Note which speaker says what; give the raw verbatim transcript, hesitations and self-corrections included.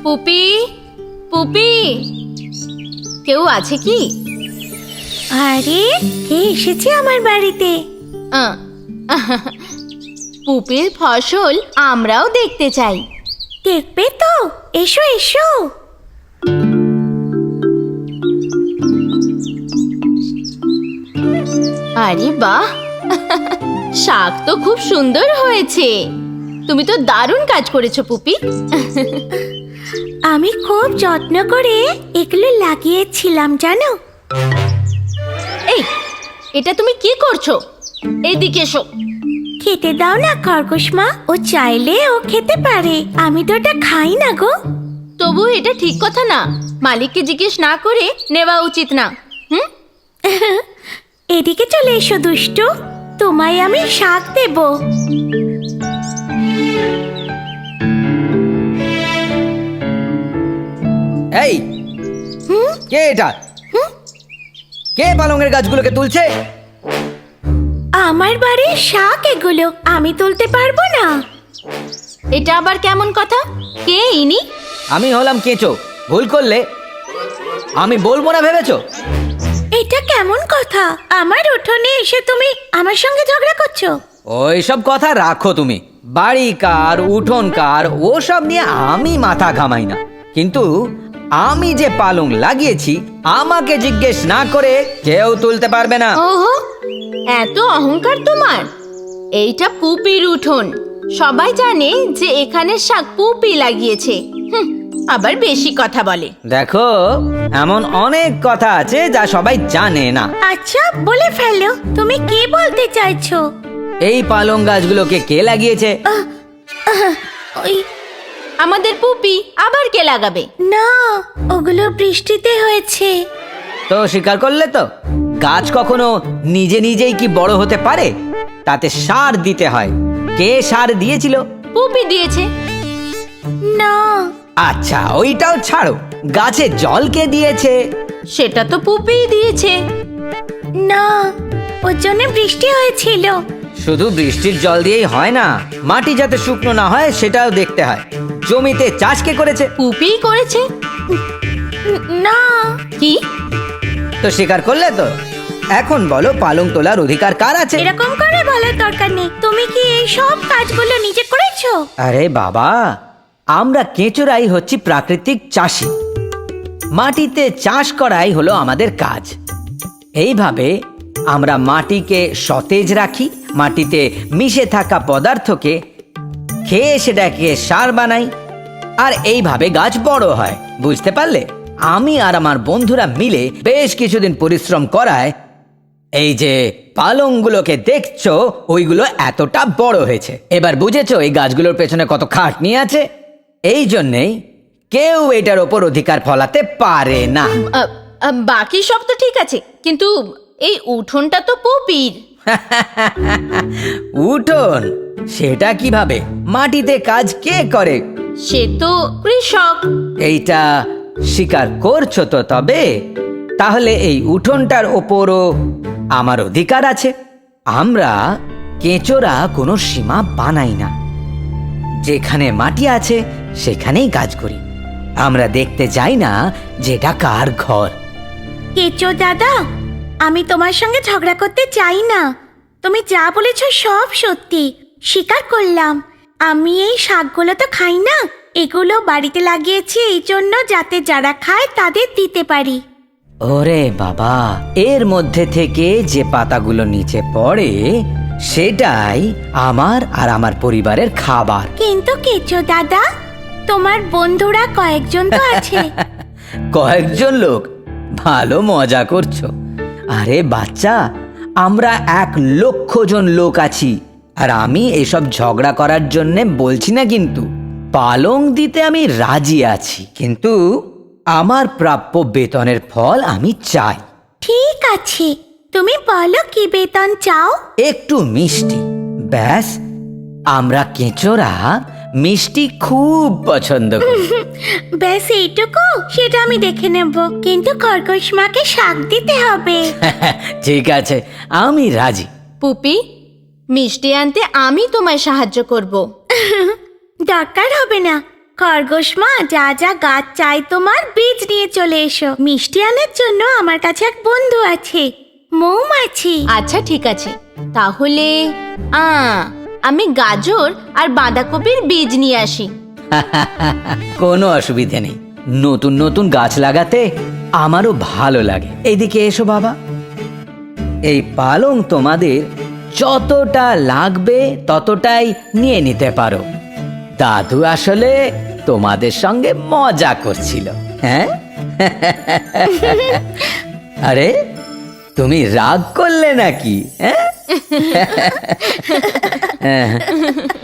Speaker 1: পুপি, পুপি, কেউ আছে কি?
Speaker 2: আরে কে এসেছে আমার বাড়িতে?
Speaker 1: আহ, পুপির ফসল আমরাও দেখতে চাই।
Speaker 2: দেখবে তো? এসো এসো।
Speaker 1: আরে বাহ, শাক তো খুব সুন্দর হয়েছে। তুমি তো দারুণ কাজ করেছো পুপি।
Speaker 2: আমি খুব যত্ন করে এগুলো লাগিয়েছিলাম জানো।
Speaker 1: এই, এটা তুমি কি করছো? এইদিকে এসো।
Speaker 2: খেতে দাও না খরগোশ মা, ও চাইলে ও খেতে পারে, আমি তো ওটা খাই না গো।
Speaker 1: তবু এটা ঠিক কথা না, মালিককে জিজ্ঞেস না করে নেওয়া উচিত না। হুম,
Speaker 2: এদিকে চলে এসো দুষ্টু, তোমায় আমি শাক দেব।
Speaker 3: এই কে এটা? কে পালংয়ের গাছগুলোকে তুলছে?
Speaker 2: আমার বাড়ির শাক এগুলো, আমি তুলতে পারবো না।
Speaker 1: এটা আবার কেমন কথা? কে ইনি?
Speaker 3: আমি হলাম কেঁচো, ভুল করলে আমি বলবো না ভেবেছো?
Speaker 2: এটা কেমন কথা? আমার উঠোনে এসে তুমি আমার সঙ্গে ঝগড়া করছো?
Speaker 3: ওই সব কথা রাখো তুমি। বাড়ি কার, উঠোন কার, ও সব নিয়ে আমি মাথা ঘামাই না। কিন্তু আমি যে পালং লাগিয়েছি, আমাকে জিজ্ঞেস না করে কেউ তুলতে পারবে না।
Speaker 1: ওহো, এত অহংকার তোমার? এইটা পুপির উঠোন, সবাই জানে যে এখানে শাক পুপি লাগিয়েছে। হুম, আবার বেশি কথা বলে।
Speaker 3: দেখো, এমন অনেক কথা আছে যা সবাই জানে না।
Speaker 2: আচ্ছা বলে ফেলো, তুমি কি বলতে চাইছো?
Speaker 3: এই পালং গাছগুলোকে কে লাগিয়েছে?
Speaker 2: ওই
Speaker 1: আমাদের পুপি। আবার কে লাগাবে?
Speaker 2: না, ওগুলো বৃষ্টিতে হয়েছে।
Speaker 3: তো স্বীকার করলে তো, গাছ কখনো নিজে নিজেই কি বড় হতে পারে? তাতে সার দিতে হয়। কে সার দিয়েছিল?
Speaker 1: পুপি দিয়েছে।
Speaker 2: না।
Speaker 3: আচ্ছা ওইটাও ছাড়ো, গাছে জল কে দিয়েছে?
Speaker 1: সেটা তো পুপিই দিয়েছে।
Speaker 2: না, ওর জন্য বৃষ্টি হয়েছিল।
Speaker 3: শুধু বৃষ্টির জল দিয়েই হয় না, মাটি যাতে শুকনো না হয় সেটাও দেখতে হয়। জমিতে চাষ কে করেছে?
Speaker 1: পুপিই করেছে।
Speaker 2: না।
Speaker 1: কি?
Speaker 3: তো স্বীকার করলে তো। এখন বলো, পালং তোলার অধিকার কার আছে?
Speaker 2: এরকম করে বলার দরকার নেই। তুমি কি এই সব কাজগুলো নিজে করেছো?
Speaker 3: আরে বাবা, আমরা কেঁচোরাই হচ্ছি প্রাকৃতিক চাষি। মাটিতে চাষ করাই হলো আমাদের কাজ। এইভাবে আমরা মাটিকে সতেজ রাখি, মাটিতে মিশে থাকা পদার্থকে খেয়ে সেটাকে সার বানাই, আর এইভাবে গাছ বড় হয়। বুঝতে পারলে? আমি আর আমার বন্ধুরা মিলে বেশ কিছুদিন পরিশ্রম করায় এই যে পালংগুলোকে দেখছো, ওইগুলো এতটা বড় হয়েছে। এবার বুঝেছো এই গাছগুলোর পেছনে কত খাটনি আছে? এই জন্যেই কেউ এটার ওপর অধিকার ফলাতে পারে না।
Speaker 1: আ, আ, বাকি সব তো ঠিক আছে, কিন্তু এই উঠোনটা তো পুপির।
Speaker 3: উঠোন? সেটা কিভাবে? মাটিতে কাজ কে করে?
Speaker 1: সে তো কৃষক।
Speaker 3: এইটা স্বীকার করছো তো? তবে তাহলে এই উঠোনটার ওপরও আমার অধিকার আছে। আমরা কেঁচোরা কোনো সীমা বানাই না, যেখানে মাটি আছে সেখানেই কাজ করি। আমরা দেখতে যাই না যেটা কার ঘর।
Speaker 2: কেচো দাদা, আমি তোমার সঙ্গে ঝগড়া করতে চাই না। তুমি যা বলেছো সব সত্যি, স্বীকার করলাম। আমি এই শাকগুলো তো খাই না, এগুলো বাড়িতে লাগিয়েছি এই জন্য যাতে যারা খায় তাদের দিতে পারি।
Speaker 3: ওরে বাবা, এর মধ্যে থেকে যে পাতাগুলো নিচে পড়ে সেটাই আমার আর আমার পরিবারের খাবার।
Speaker 2: কিন্তু কেচো দাদা, তোমার বন্ধুরা কয়েকজন তো আছে।
Speaker 3: কয়েকজন লোক? ভালো মজা করছো। আরে বাচ্চা, আমরা এক লক্ষ জন লোক আছি, আর আমি এসব ঝগড়া করার জন্য বলছি না। কিন্তু পালং দিতে আমি রাজি আছি, কিন্তু আমার প্রাপ্য বেতনের ফল আমি চাই।
Speaker 2: ঠিক আছে, তুমি বলো কি বেতন চাও?
Speaker 3: একটু মিষ্টি, ব্যাস। আমরা কেঁচোরা মিষ্টি খুব পছন্দ করি।
Speaker 2: ব্যাস এইটুকু? সেটা আমি দেখে নেব, কিন্তু খরগোশ মাকে শাক দিতে হবে।
Speaker 3: ঠিক আছে, আমি রাজি।
Speaker 1: পুপি, মিষ্টি আনতে আমি তোমায় সাহায্য করব।
Speaker 2: দরকার হবে না, খরগোশ মা, যা যা গাছ চাই তোমার বীজ নিয়ে চলে এসো। মিষ্টি আনার জন্য আমার কাছে এক বন্ধু আছে, মৌমাছি।
Speaker 1: আচ্ছা ঠিক আছে, তাহলে আ আমি গাজর আর বাঁধাকপির বীজ নিয়ে আসি।
Speaker 3: কোনো অসুবিধে নেই, নতুন নতুন গাছ লাগাতে আমারও ভালো লাগে। এইদিকে এসো বাবা, এই পালং তোমাদের যতটা লাগবে ততটাই নিয়ে নিতে পারো। দাদু আসলে তোমাদের সঙ্গে মজা করছিল। হ্যাঁ আরে তুমি রাগ করলে নাকি? হ্যাঁ